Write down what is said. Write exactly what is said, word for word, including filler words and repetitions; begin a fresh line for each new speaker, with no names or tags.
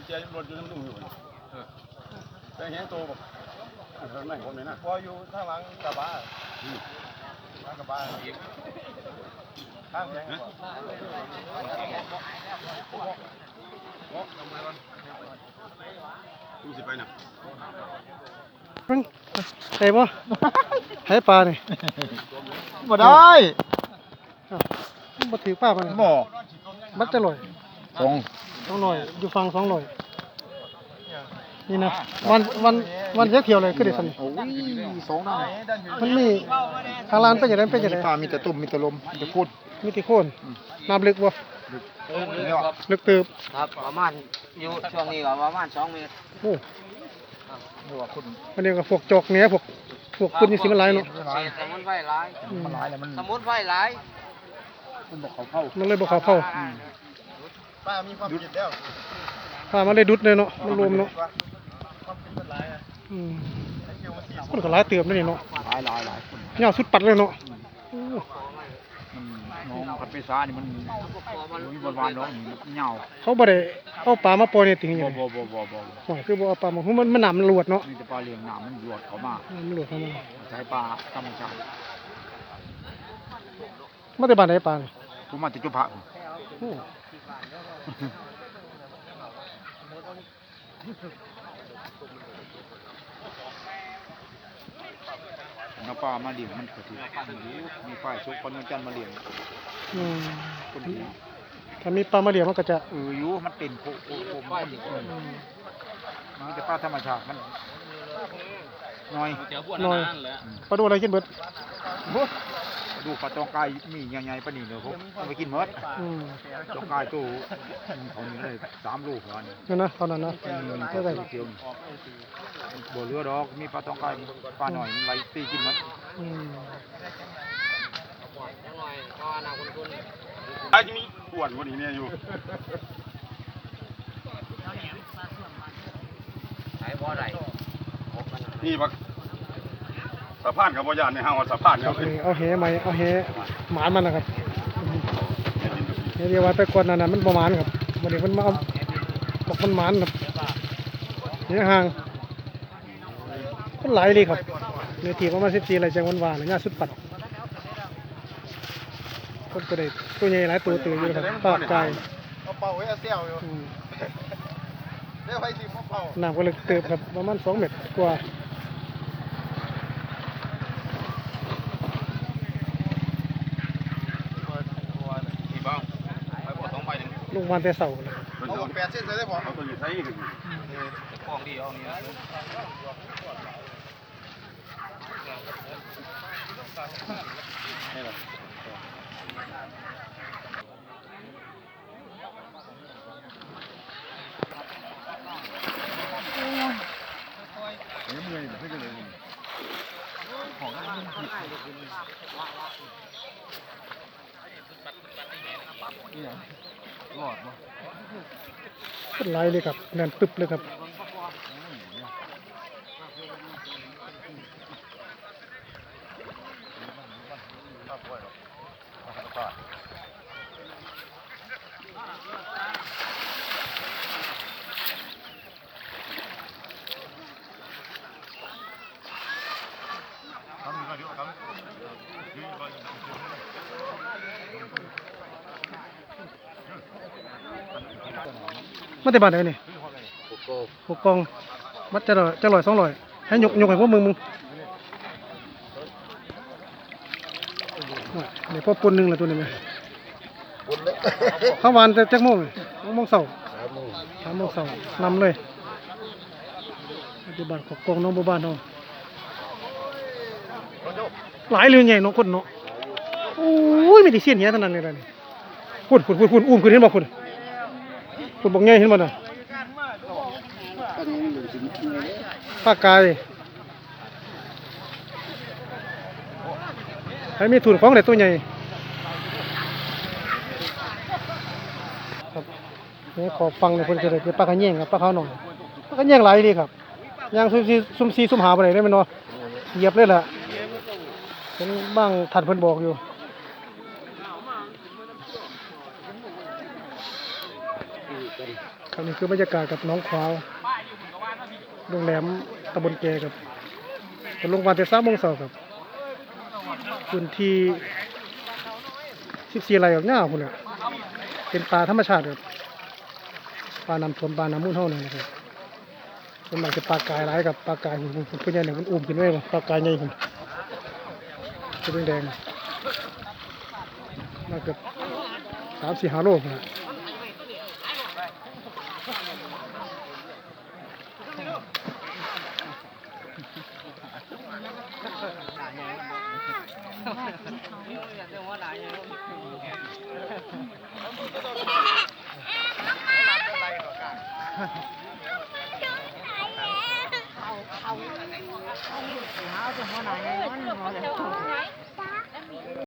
เจียรถอยู่น้ำนุ่งอยู่แต่เห็นโตแบบไม่ผมเลยนะพออยู่ข้างหลังกระบะข้างกระบะข้างแข็งดูสิไปนะ
ใช่ป่ะให้ปลาเนี่ย
บ่ได้
มาถือป้ามัน
บ่
มันจะลอย
สอง
สองลอยอยู่ฟังสองลอยนี่นะวันวันวันเยอะเที่ยวเลยก็ได้สัน
โอ้ยสองนั่น
มันมีทางร้านเป็นอย่างไรเป็นอย่างไร
ปลามีแต่ตุ่มมีแต่ลมมีแต่พูด
มีแต่โคนน้ำลึกบ่ลึกเติบ
ครับประมาณอยู่ช่วงนี้ก็ประมาณสองเมตร
โอ้อันนี้ก็พวกจอกเนี้ยพวกพวกคุณนี่สิมันหลายเนาะ
สมุนไพรหลาย
มันหลายแล้วมัน
สมุนไพรหลาย
มันบอกเขาเข้า
มันเลยบอกเขาเข้า
ป้ามีความผิดแล้ว
ป้ามันเลยดุดเลยเนาะมันรวมเนาะคนก็หลายเติบนี่เนาะ
หลายหลายหลาย
เงาสุดปัดเลยเนาะ
น้องพัดไปซ่านี่มันมีบนวานน้องเหงา
เขาบ่ได้เอาปลามาปล่อยในติ่งอย่าง
บ่บ่บ่บ่
บ่คือบ่เอาปลามามันมันหนามมันหลวดเนาะ
นี่จะปลาเลี้ยงหนามมันหลวดเข้ามา
มันหลวดเข้ามา
ใช้ปลาธรรมชาติ
มาแต่บ้านไหนปลาเนี่ย
ผมมาจากจุฬาโอ้น้ำปลามาเลี้ยงมันก็ถือมีฝ่ายชุกปนจันมาเลี้ยงคนดี
ถ้ามีปลามาเลี้ยงมันก็จะ
เอออยู่มันเป็นโคโคโคมันมันจะปลาธรรมชาติมันน้อย
น้อยปลาดูอะไรกินเบิด
ดูปลาตองกายมีใหญ่ๆปลาหนีเนอะผมไปกินเมิดตองกายตู้เขานี่เลยสามลูกแล้วนี่
นั่นนะตอนนั้นนะ
เท่าไหร่เที่ยวบ่เรือดอกมีปลาตองกายปลาหน่อยไหลตีกินเมิด
ไอ้ที่มีขวดวันนี้เนี่ยอยู่นี่บักสะพานกับบ่ยานในห้างว่าสะพานเนี่ย
เอาแหไหมเอาแหหมานมันนะครับเรียกว่าไปกดนั่นน่ะมันประมาณครับวันนี้มันมาเอาบอกมันหมานครับเนี่ยห่างคนหลายเลยครับเนื้อที่ประมาณสิบสี่อะไรจังวันวานเนี่ยสุดปัดคนก็ได้ตัวใหญ่หลายตัวตื่นอยู่ครับปากกาย
เอาเป่าไว้เซี่ยวอยู่เรียกไว้ทีมเป่า
น้ำก็เลยเติบครับประมาณสองเมตรกว่าลงวันแต่เสาร์เลย
เอาแปดเส้นเลยได้พอเอาตัวอยู่ใช้กันกองดีเอานี่
เป็นไรเลยครับแน่นตึบเลยครับมาแต่บ้านไหนนี่หกกองมัดจะลอยจะลอยสองลอยให้ยกยกให้พวกมึงมึงเดี๋ยวพอปนหนึ่งละตัวนี้ไหมข้าวหวานจะแจ็คโม่งโม่งเสาสามโมงเสานำเลยปัจจุบันหกกองน้องบ้านเราหลายเรื่องใหญ่น้องคนเนาะโอ้ยไม่ได้เสี้ยนเงี้ยเท่านั้นเลยนี่คุณคุณคุณคุณอุ้มคุณเห็นบอกคุณคุณบอกไงเห็นบ่น่ะปลากายให้มีถุนของไหนตัวใหญ่ครับนี่ขอฟังเลยคนจะได้ปลากระเงี้ยงครับปลาขาวหน่อยปลากระเงี้ยงหลายดีครับย่างซุ่มซีซุ่มซีซุ่มหาไปไหนได้ไหมเนาะเหยียบเลยล่ะเป็นบ้างถัดเพิ่นบอกอยู่ครับนี่คือบรรยากาศกับน้องขวาวโรงแรมตำบลแกครับเป็นโรงพยาบาลแต่สามโมงเช้าครับพื้นที่สิบสี่ไร่กับหญ้าพุ่นน่ะเป็นป่าธรรมชาติครับป่าน้ำท่วมป่าน้ำมูลเท่านั้นนะครับส่วนมากจะปลากายหลายกับปลากายหุ่นเพื่อนใหญ่เนี่ยมันอุ้มขึ้นไว้บ่ปลากายใหญ่หุ่นเป็นแดงๆมาเกือบสามสี่ห้าโลพุ่นน่ะ
เอาเอาเอาหัวหน้าไงมันหัวหน้า